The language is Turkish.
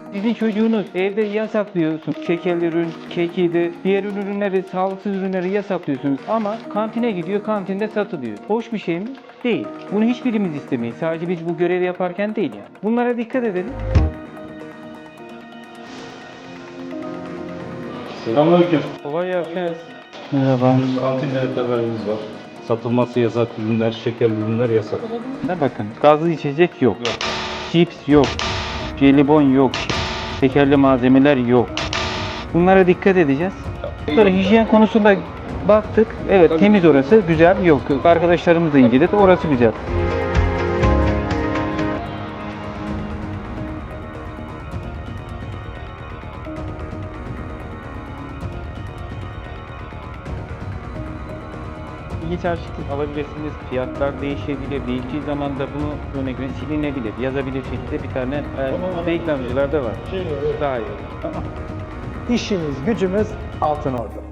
Sizin çocuğunuz evde yasaklıyorsun. Şekerli ürün, kekiydi, diğer ürünleri, sağlıksız ürünleri yasaklıyorsunuz. Ama kantine gidiyor, kantinde satılıyor. Hoş bir şey mi? Değil. Bunu hiçbirimiz istemeyiz. Sadece biz bu görevi yaparken değil yani. Bunlara dikkat edelim. Selamünaleyküm. Kolay gelsin. Merhaba. Kantinlerde haberiniz var. Satılması yasak ürünler, şekerli ürünler yasak. Ne bakın, gazlı içecek yok. Cips yok. Jelibon yok. Şekerli malzemeler yok. Bunlara dikkat edeceğiz. Sonra hijyen konusunda baktık. Evet, temiz orası, güzel. Yok. Arkadaşlarımız da inceledi. Orası güzel. İlginç çeşit alabilirsiniz. Fiyatlar değişebilir. Değiştiği zaman da bunu örnek verin silinebilir. Yazabilir şekilde bir tane reklamcılar da var. Daha iyi. İşimiz gücümüz Altınordu.